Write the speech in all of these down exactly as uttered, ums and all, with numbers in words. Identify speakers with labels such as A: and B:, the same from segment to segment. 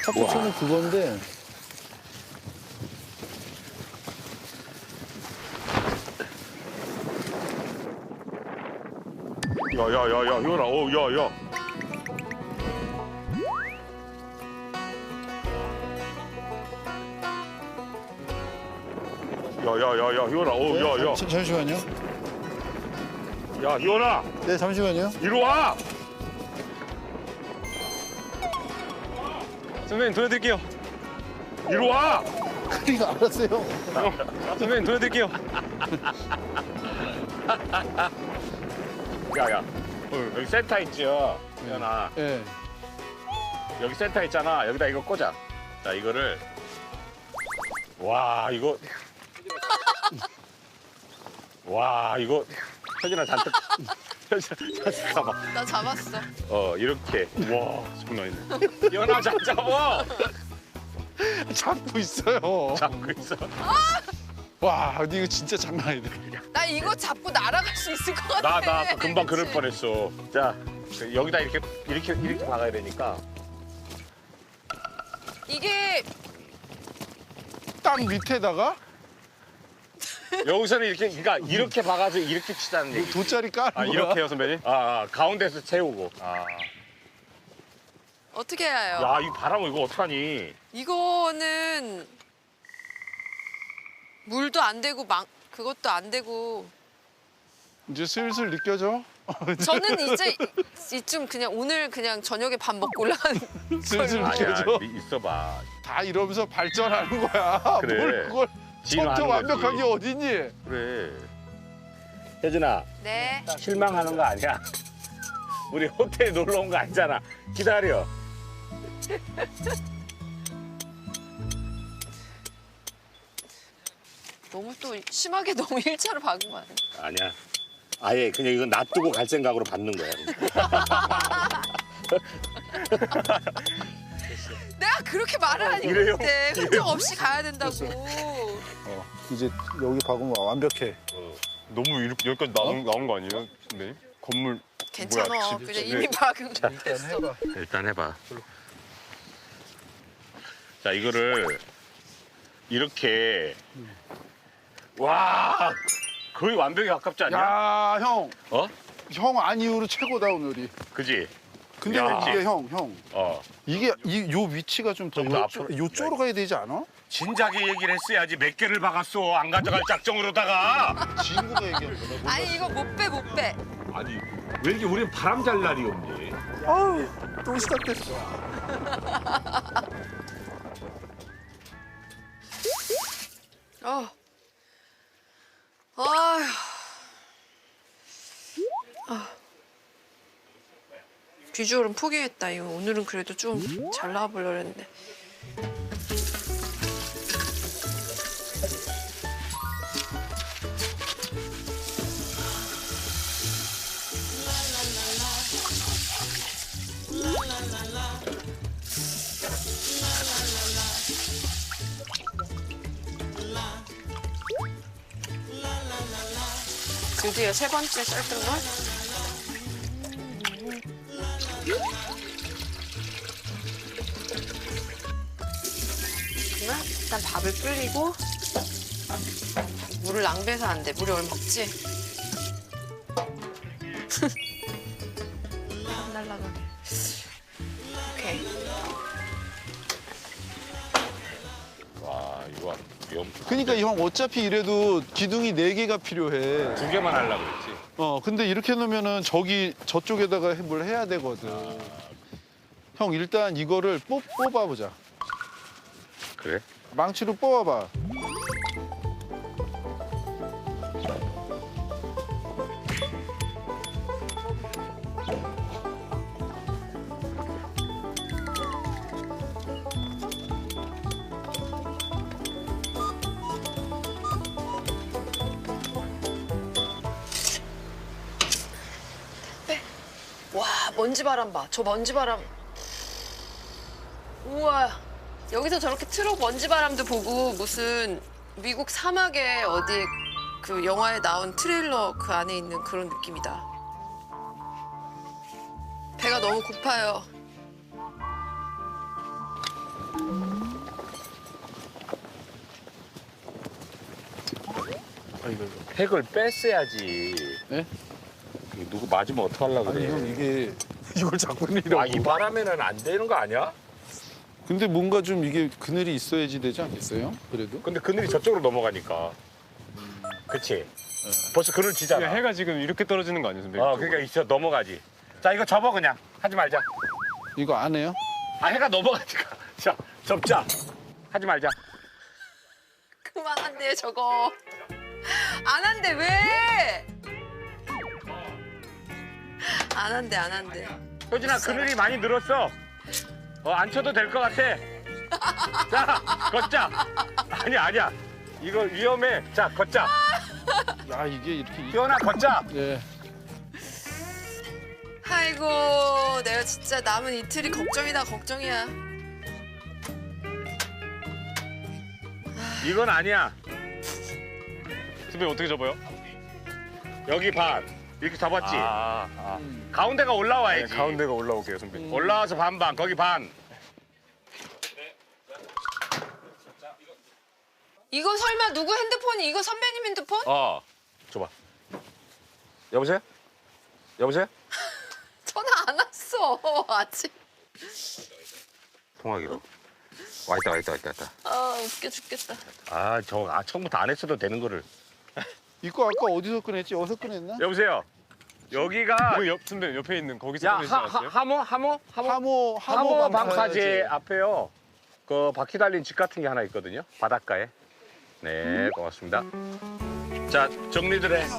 A: 카푸치노는 그건데.
B: 야야야야 이거라. 어 야야. 야야야야 희원아. 어 야야.
A: 자, 잠시만요.
B: 야 희원아.
A: 네, 잠시만요.
B: 이리 와.
C: 선배님 도와드릴게요.
B: 이리 와.
A: 그러니까 알았어요.
C: 선배님 도와드릴게요.
B: 야야. 어, 여기 센터 있죠. 희원아.
A: 예.
B: 여기 센터 있잖아. 여기다 이거 꽂아. 자 이거를. 와 이거. 와 이거. 혜진아 잔뜩. 혜진아 잔뜩 가봐.
D: 나 잡았어.
B: 어 이렇게. 와 장난 있네. 희원아 잘 잡아.
A: 잡고 있어요.
B: 잡고 있어.
A: 와, 근데 이거 진짜 장난 아니다.
D: 나 이거 잡고 날아갈 수 있을 것 같아.
B: 나 나 아까 금방 그럴
D: 그치?
B: 뻔했어. 자 여기다 이렇게 이렇게 이렇게 박아야 되니까.
D: 이게
A: 땅 밑에다가
B: 여기서는 이렇게 그러니까 이렇게 박아서 이렇게 치자는 얘기.
A: 돗자리 까는
B: 아
A: 거야.
B: 이렇게요 선배님? 아, 아 가운데서 채우고. 아.
D: 어떻게 해야 해요?
B: 야 이 바람 이거 어떡하니?
D: 이거는 물도 안 되고 망 그것도 안 되고.
A: 이제 슬슬 느껴져.
D: 저는 이제 이쯤 그냥 오늘 그냥 저녁에 밥 먹고 올라가는
A: 슬슬
D: 걸로.
B: 아니야
A: 느껴져.
B: 미- 있어봐.
A: 다 이러면서 발전하는 거야.
B: 그래.
A: 뭘 그걸
B: 지는
A: 처음부터
B: 하는 거지.
A: 완벽하게 어딨니?
B: 그래. 혜진아
D: 네.
B: 실망하는 거 아니야? 우리 호텔에 놀러 온 거 아니잖아. 기다려.
D: 너무 또 심하게 너무 일차로 박은 거 아니야?
B: 아니야. 아예 그냥 이건 놔두고 갈 생각으로 받는 거야.
D: 내가 그렇게 말을 하니
B: 이래요?
D: 그때
B: 이래요?
D: 흔적 없이 가야 된다고.
A: 어, 이제 여기 박으면 완벽해.
C: 너무 이렇게 여기까지 나온, 나온 거 아니에요, 선배님? 건물
D: 괜찮아.
C: 뭐야, 집,
D: 그냥
C: 집,
D: 이미
C: 네.
D: 박은 거.
A: 일단 해봐.
B: 일단 해봐. 자 이거를 이렇게. 와 거의 완벽에 가깝지 않냐?
A: 야, 형.
B: 어?
A: 형 안 이후로 최고다 오늘이.
B: 그지?
A: 근데
B: 야.
A: 이게 형, 형.
B: 어.
A: 이게 이 요 위치가 좀 더
B: 좀더
A: 요쪽,
B: 앞으로.
A: 요쪽으로 가야 되지 않아?
B: 진작에 얘기를 했어야지. 몇 개를 박았어. 안 가져갈 작정으로다가.
A: 친구가 얘기한 거다.
D: 아니 이거 못 빼 못 빼.
B: 아니 왜 이렇게 우린 바람 잘 날이 없니?
A: 아우, 또 시작됐어.
D: 어. 아휴. 아. 비주얼은 포기했다. 이거 오늘은 그래도 좀 잘 나와보려고 했는데. 드디어 세 번째 썰든걸? 그러면 일단 밥을 끓이고 물을 낭비해서 안 돼. 물이 얼마 없지? 안 날라가게. 오케이.
B: 와 이거 위험.
A: 그러니까 형 어차피 이래도 기둥이 네 개가 필요해.
B: 두 개만 하려고 그랬지.
A: 어, 근데 이렇게 놓으면은 저기 저쪽에다가 해- 뭘 해야 되거든. 형 일단 이거를 뽑, 뽑아보자.
B: 그래?
A: 망치로 뽑아봐.
D: 와 먼지 바람 봐. 저 먼지 바람. 우와. 여기서 저렇게 트럭 먼지 바람도 보고 무슨 미국 사막에 어디 그 영화에 나온 트레일러 그 안에 있는 그런 느낌이다. 배가 너무 고파요.
A: 이걸.
B: 팩을 뺐어야지.
A: 네?
B: 이거 누구 맞으면 어떡하려고
A: 아니
B: 그래.
A: 형 이게 이걸 자꾸 내리라고.
B: 아, 이 바람에는 안 되는 거 아니야?
A: 근데 뭔가 좀 이게 그늘이 있어야지 되지 않겠어요? 그래도?
B: 근데 그늘이 저쪽으로 넘어가니까. 그치? 벌써 그늘 지잖아.
C: 해가 지금 이렇게 떨어지는 거 아니에요, 선배님?
B: 어, 그러니까 있어 넘어가지. 자, 이거 접어 그냥. 하지 말자.
A: 이거 안 해요?
B: 아, 해가 넘어가니까. 자, 접자. 하지 말자.
D: 그만한대 저거. 안 한대 왜? 안 한대 안 한대.
B: 효진아, 그늘이 많이 늘었어. 어, 안 쳐도 될 것 같아. 자, 걷자. 아니, 아니야. 이거 위험해. 자, 걷자.
A: 야 이게 이렇게. 이-
B: 희원아, 걷자.
A: 예.
D: 아이고 내가 진짜 남은 이틀이 걱정이다 걱정이야.
B: 이건 아니야.
C: 선배님 어떻게 접어요?
B: 여기 반. 이렇게 잡았지?
C: 아, 아.
B: 가운데가
C: 네,
B: 올라와야지.
C: 가운데가 올라오게요, 선배님.
B: 올라와서 반반. 거기 반.
D: 이거 설마 누구 핸드폰이 이거 선배님 핸드폰?
B: 어. 줘봐. 여보세요? 여보세요?
D: 전화 안 왔어 아직.
B: 통화기로. 와 있다, 와 있다, 와 있다, 와 있다.
D: 아 웃겨 죽겠다.
B: 아, 저 아, 처음부터 안 했어도 되는 거를.
A: 이거 아까 어디서 꺼냈지? 어디서 꺼냈나?
B: 여보세요? 여기가
C: 그 옆, 선배님 옆에 있는 거기서
B: 야,
C: 꺼내지
B: 하,
C: 않았어요?
B: 하, 하모? 하모? 하모?
A: 하모
B: 하모
A: 하모
B: 방파제 앞에요. 그 바퀴 달린 집 같은 게 하나 있거든요. 바닷가에. 네, 고맙습니다. 자, 정리들 해.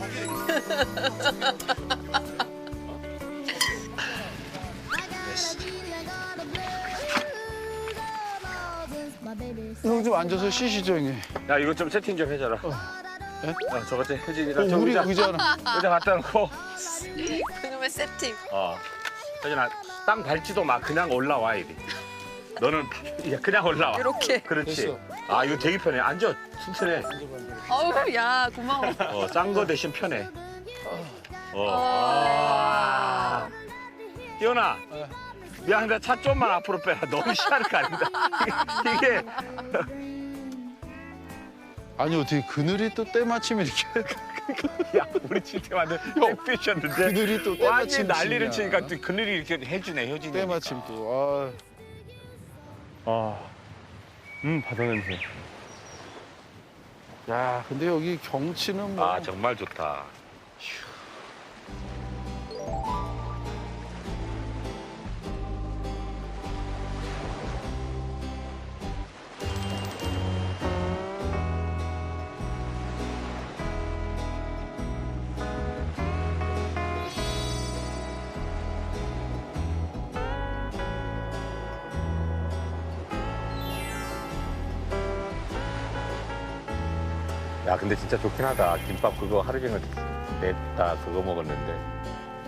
A: 형 좀 앉아서 쉬시죠 형님.
B: 야, 이거 좀 세팅 좀 해줘라.
A: 예?
B: 야, 저거 좀
A: 어,
B: 혜진이랑 저
A: 우리
B: 의자,
A: 의자나.
B: 의자 갖다 놓고.
D: 그놈의 세팅.
B: 어. 혜진아, 땅 밟지도 마. 그냥 올라와, 이리. 너는 야, 그냥 올라와.
D: 이렇게.
B: 그렇지.
A: 됐어.
B: 아, 이거 되게 편해. 앉아. 튼튼해.
D: 어우 야 고마워.
B: 어, 싼 거 대신 편해. 어.
D: 아.
B: 아. 희연아. 미안한데 차 좀만 앞으로 빼라. 너무 시간을 가린다. 이게
A: 아니 어떻게 그늘이 또 때마침 이렇게.
B: 야, 우리 진짜 완전 백피셨는데.
A: 그늘이 또
B: 완전
A: 때마침
B: 난리를
A: 치냐.
B: 치니까 또 그늘이 이렇게 해주네, 효진이.
A: 때마침 또.
C: 아, 음 바다 냄새.
A: 아. 야 근데 여기 경치는 뭐.
B: 아, 정말 좋다. 야, 근데 진짜 좋긴 하다. 김밥 그거 하루 종일 냈다 그거 먹었는데.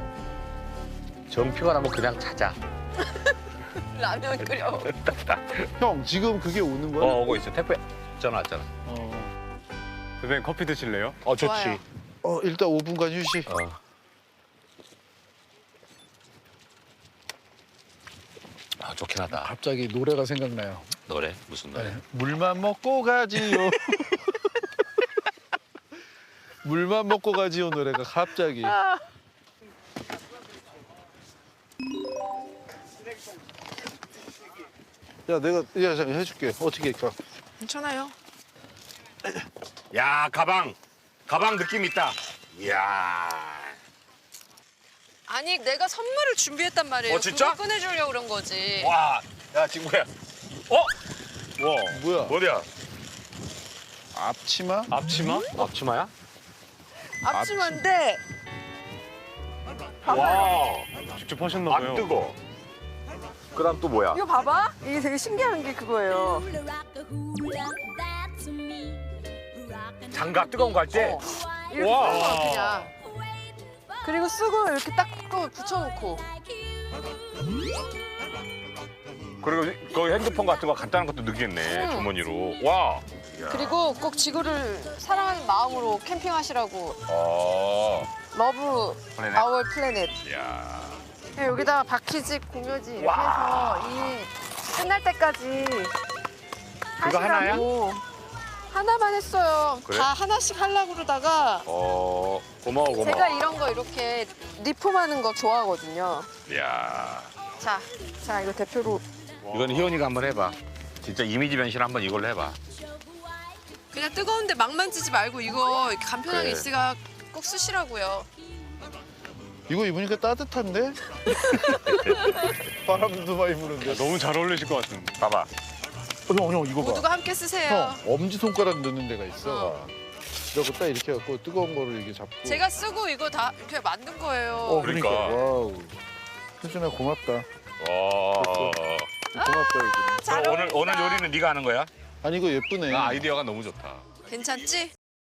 B: 정표가 나면 그냥 자자.
D: 라면 끓여.
A: 형 지금 그게 오는 거야?
B: 어, 오고 있어. 택배 전화 왔잖아.
A: 어.
C: 선배님 커피 드실래요?
B: 어, 좋지.
D: 좋아요.
A: 어 일단 오 분간 휴식.
B: 어. 아, 좋긴 하다.
A: 갑자기 노래가 생각나요.
B: 노래? 무슨 노래?
A: 네. 물만 먹고 가지요. 물만 먹고 가지요 노래가 갑자기. 야 내가 야 잠깐 해줄게. 어떻게 할까?
D: 괜찮아요.
B: 야, 가방. 가방 느낌 있다. 이야.
D: 아니 내가 선물을 준비했단 말이에요.
B: 어, 진짜?
D: 그걸 꺼내주려고 그런 거지.
B: 와, 야, 친구야. 어? 와,
A: 뭐야?
B: 뭐야?
A: 앞치마?
C: 앞치마?
B: 앞치마야?
D: 앞치마인데
B: 와,
C: 직접 하셨나 봐요.
B: 안 뜨거. 그다음 또 뭐야?
D: 이거 봐봐. 이게 되게 신기한 게 그거예요.
B: 장갑 뜨거운 거 할 때?
D: 어. 이렇게
B: 와.
D: 쓰는 거야 그냥. 그리고 쓰고 이렇게 딱 또 붙여놓고.
B: 그리고 거기 핸드폰 같은 거 간단한 것도 넣겠네,
D: 응.
B: 주머니로. 와.
D: 그리고 꼭 지구를 사랑하는 마음으로 캠핑하시라고.
B: 어.
D: 러브
B: 플래닛.
D: 아워 플래닛.
B: 야.
D: 여기다가 바퀴직 공효지 이렇게
B: 와.
D: 해서 이 끝날 때까지
B: 그거 하나야?
D: 하시라고. 하나만 했어요.
B: 그래?
D: 다 하나씩 하려고 그러다가
B: 어 고마워 고마워.
D: 제가 이런 거 이렇게 리폼하는 거 좋아하거든요.
B: 야
D: 자, 자 이거 대표로
B: 이건 희원이가 한번 해봐. 진짜 이미지 변신 한번 이걸로 해봐.
D: 그냥 뜨거운데 막 만지지 말고 이거 이렇게 간편하게
B: 그래.
D: 있으니까 꼭 쓰시라고요.
A: 이거 입으니까 따뜻한데? 바람도 많이 부는데.
C: 너무 잘 어울리실 것 같은데.
B: 봐봐.
A: 어, 형, 형 이거 봐.
D: 모두가 함께 쓰세요.
A: 형 엄지 손가락 넣는 데가 있어.
D: 어.
A: 그래갖고 딱 이렇게 해갖고 뜨거운 거를 이렇게 잡고.
D: 제가 쓰고 이거 다 이렇게 만든 거예요.
A: 어 그러니까.
B: 그러니까.
A: 와우. 혜준아 고맙다.
B: 와.
A: 고맙다 이거.
D: 잘
B: 오늘
D: 어울린다.
B: 오늘 요리는 네가 하는 거야?
A: 아니 이거 예쁘네.
B: 아, 아이디어가 너무 좋다.
D: 괜찮지?